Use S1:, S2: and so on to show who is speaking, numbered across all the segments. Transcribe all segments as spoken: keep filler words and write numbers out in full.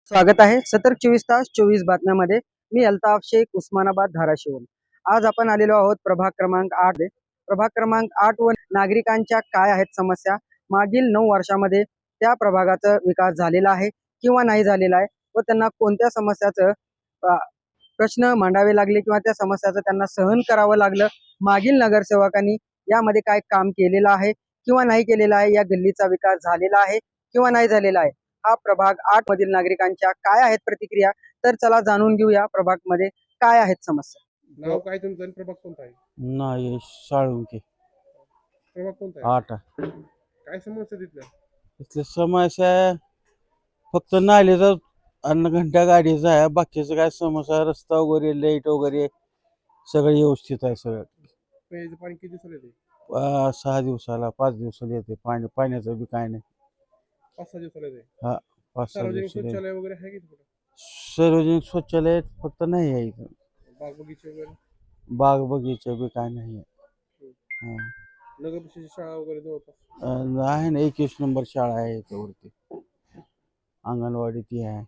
S1: स्वागत आहे सतर्क चोवीस तास चोवीस बातम्यामध्ये. मी अल्ताफ शेख, उस्मानाबाद, धाराशिव. आज आपण आलेलो आहोत प्रभाग क्रमांक आठ. प्रभाग क्रमांक आठ व नागरिकांच्या काय आहेत समस्या, मागील नऊ वर्षामध्ये त्या प्रभागाचा विकास झालेला आहे किंवा नाही झालेला आहे व त्यांना कोणत्या समस्याचं प्रश्न मांडावे लागले किंवा त्या समस्याचं त्यांना सहन करावं लागलं, मागील नगरसेवकांनी यामध्ये काय काम केलेलं आहे किंवा नाही केलेलं आहे, या गल्लीचा विकास झालेला आहे किंवा नाही झालेला आहे, हा प्रभाग आठ मधील नागरिकांच्या काय आहेत प्रतिक्रिया, तर चला जाणून घेऊया प्रभाग मध्ये काय आहेत समस्या.
S2: नाव काय तुमचं आणि प्रभाग कोणता आहे?
S3: नाही साळुंके
S2: प्रभाग कोणता आहे?
S3: आठ.
S2: काय समस्या तिथल्या?
S3: इथल्या समस्या फक्त नालीचा अन्न घंटा गाडीचा आहे, बाकीचं काय समस्या रस्ता वगैरे लाईट वगैरे सगळं व्यवस्थित आहे. सगळं
S2: प्यायचं पाणी किती दिवसाला येते?
S3: अं, सहा दिवसाला पाच दिवसाला येते पाणी. पाण्याचं बी काय नाही.
S2: पाच सहा दिवसाला येते.
S3: हा पाच सहा
S2: सार्वजनिक
S3: दिवसाला येते.
S2: शौचालय वगैरे आहे की तिकडे?
S3: सार्वजनिक शौचालय फक्त नाही आहे इथं.
S2: बाग बगीचे वगैरे?
S3: बाग बगीचा बी काय नाही आहे.
S2: नगर परिषदेची शाळा वगैरे जवळपास?
S3: अं, आहे ना, एकवीस नंबर शाळा आहे त्यावरती, अंगणवाडी ती आहे.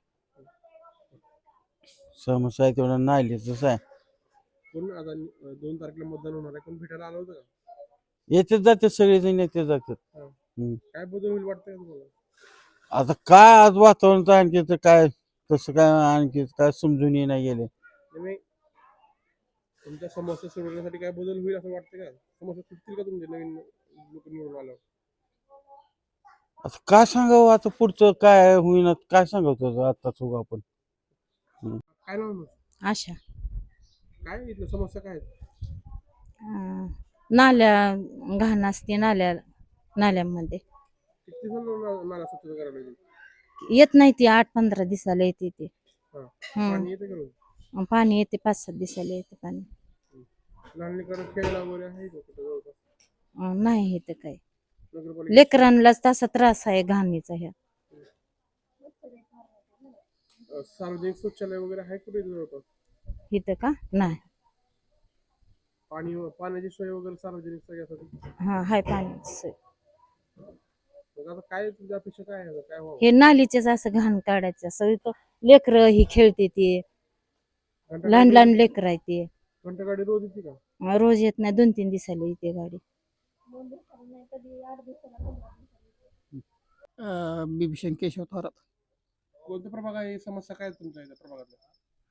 S3: समस्या आहे तेवढं नालीच आहे.
S2: कोण आता दोन तारखेला मतदान होणार आहे, कोण भेटायला आलं होतं का?
S3: येते जाते सगळेजण येते जातात.
S2: काय बदल होईल वाटतंय तुम्हाला?
S3: आता काय आज वातावरण तर आणखी तर काय तसं काय आणखी काय समजून नाही गेले.
S2: नाही, तुमच्या समस्या सोडवण्यासाठी काय बदल होईल असं वाटतं का? समस्या सुटतील का तुमचे नवीन लोक निवडून आल्यावर?
S3: आता काय सांगावं, आता पुढचं काय होईना काय सांगावं आता चुक आपण.
S2: काय नाव आहे?
S4: आशा.
S2: काय इथल्या समस्या काय आहेत?
S4: अं, नाल्या घाण असते नाल्या नाल्यामध्ये
S2: किती जण नाला स्वच्छता करायला लागेल?
S4: येत नाही ती आठ पंधरा दिवसाला येते ते.
S2: हा.
S4: हम्म.
S2: पाणी येते का रोज?
S4: पाणी येते पाच सात दिवसाला येते पाणी.
S2: लहान लेकरं खेळायला वगैरे आहे का कुठं जवळपास?
S4: अं, नाही येते काय.
S2: नगरपालिका
S4: लेकरांनाच तसा त्रास आहे घाणीचा ह्या.
S2: अं, सार्वजनिक शौचालय वगैरे आहे कुठे इथं जवळपास?
S4: इथं का नाही.
S2: पाणी पाण्याची सोय वगैरे सार्वजनिक सगळ्यासाठी?
S4: हा हाय पाण्याची सोय.
S2: मग आता काय तुझ्या अपेक्षा काय आहे? काय व्हावं?
S4: हे नालीचेच असं घाण काढायचं असं इथं लेकरं ही खेळते ते, लहान लहान लेकर आहे ते.
S2: घंटा गाडी रोज येते का?
S4: अं, रोज येत नाही, दोन तीन दिवसाला येते गाडी.
S5: बिभीषण केशव थोरात.
S2: कोणता प्रभाग आहे? समस्या काय आहेत तुमच्या इथं प्रभागातल्या?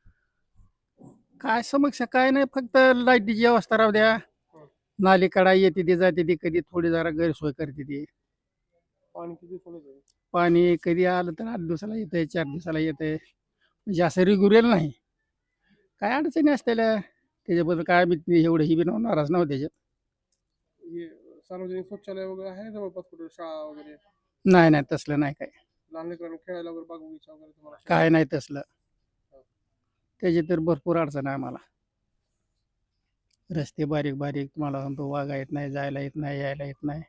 S5: काय समस्या काय नाही, फक्त लाईटीची व्यवस्था राहू द्या. नाली कडा येते ती जाते ती, कधी थोडी जरा गैरसोय करते ती.
S2: पाणी किती सोडत आहे?
S5: पाणी कधी आलं तर आठ दिवसाला येतंय, चार दिवसाला येतंय, म्हणजे असं रेग्युलर नाही. काय अडचणी असलेल्या त्याच्याबद्दल काय मी एवढं ही बी नाराज नव्हतं त्याच्यात.
S2: हे सार्वजनिक शौचालय वगैरे आहे जवळपास कुठे? शाळा वगैरे?
S5: नाही नाही तसलं नाही काय.
S2: लहान लेकरांना खेळायला वगैरे बाग बगीचा वगैरे तुम्हाला?
S5: काय नाही तसलं. त्याची तर भरपूर अडचण आहे आम्हाला. रस्ते बारीक बारीक, तुम्हाला सांगतो वागा येत नाही, जायला येत नाही, यायला येत नाही.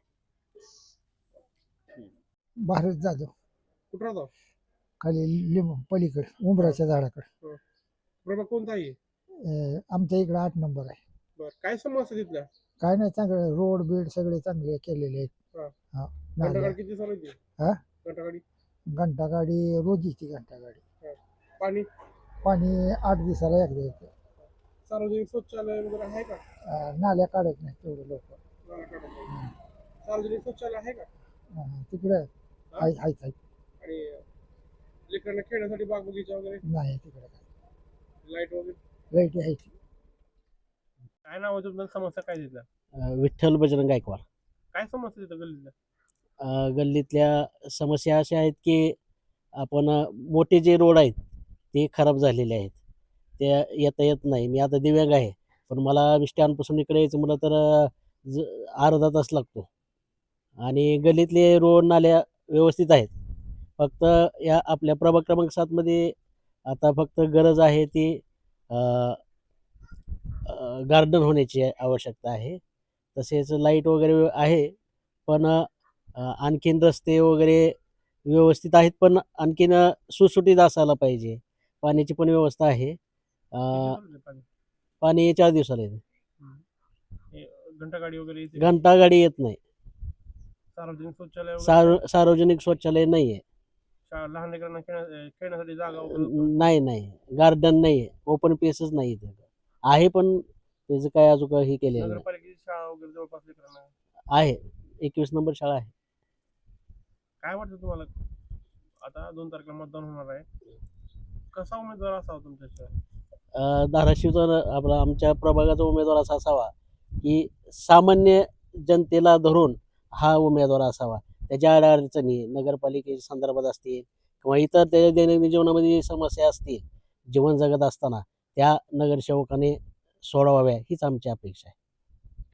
S6: भारत जाधव
S2: कुठं राहतो?
S6: खाली लिंब पलीकडे उंबराच्या झाडाकडे.
S2: प्रभाग कोणता आहे?
S6: अं, आमच्या इकडे आठ नंबर आहे.
S2: बरं, काय समस्या तिथल्या?
S6: काय नाही, चांगलं रोड बीड सगळे चांगले केलेले आहेत.
S2: हा.
S6: हा,
S2: घंटा
S6: नाल्या.
S2: गाडी किती दिवसाला येते?
S6: हा?
S2: घंटा गाडी?
S6: घंटा गाडी रोज येते. घंटा गाडी
S2: पाणी?
S6: पाणी आठ दिवसाला एकदा येते.
S2: सार्वजनिक शौचालय वगैरे आहे का?
S6: अं, नाल्या काढत नाही तेवढे लोक.
S2: नाला काढत नाही. सार्वजनिक शौचालय आहे का?
S6: तिकडे आहेत आहेत आहेत.
S2: आणि लेकरांना खेळण्यासाठी बाग बगीचा वगैरे?
S6: नाही तिकडे काय.
S2: लाईट वगैरे?
S6: लाईट आहे.
S2: काय नाव आहे तुमचं? समस्या काय तिथल्या?
S7: अ, विठ्ठल बजरंग गायकवाड.
S2: काय समस्या तिथं गल्लीतल्या?
S7: अ, गल्लीतल्या समस्या अशा आहेत की आपण अ, मोठे जे रोड आहेत ते खराब झालेले आहेत, ते येता येत नाही. मी आता दिव्यांग आहे, पण मला स्टँडपासून इकडे यायचं म्हटलं तर अ, ज अर्धा तास लागतो. आणि गल्लीतले रोड नाल्या व्यवस्थित आहेत. फक्त या आपल्या प्रभाग क्रमांक सातमध्ये आता फक्त गरज आहे ती गार्डन होण्याची आवश्यकता आहे. तसेच लाईट वगैरे आहे, पण अ, आणखीन रस्ते वगैरे व्यवस्थित आहेत, पण आणखीन सुटसुटीत असायला पाहिजे. पाण्याची पण व्यवस्था आहे. अ,
S2: किती दिवसाला येते पाणी?
S7: पाणी चार दिवसाला येते.
S2: हे घंटा गाडी वगैरे येते?
S7: घंटा गाडी येत नाही.
S2: सार्वजनिक शौचालय वगैरे?
S7: सार्व सार्वजनिक शौचालय नाही आहे.
S2: शाळा लहान लेकरांना खेळण्या- खेळण्यासाठी जागा वगैरे
S7: नाही नाही गार्डन नाही आहे, ओपन पेसच नाही इथं. आहे पण त्याचं काय अजून काही केलेलं नाही.
S2: नगरपालिकेची शाळा वगैरे जवळपास लेकरांना
S7: आहे एकवीस नंबर शाळा आहे.
S2: काय वाटतं तुम्हाला आता दोन तारखेला मतदान होणार आहे कसा उमेदवार असावा तुमच्या
S7: अ, धाराशिवचा न- आपला आमच्या प्रभागाचा उमेदवार असा असावा की सामान्य जनतेला धरून हा उमेदवार असावा. त्याच्या अडचणी नगरपालिकेच्या संदर्भात असतील किंवा इतर त्याच्या दैनंदिन जीवनामध्ये जी समस्या असतील जीवन जगत असताना त्या नगरसेवकाने सोडवाव्या हीच आमची अपेक्षा आहे.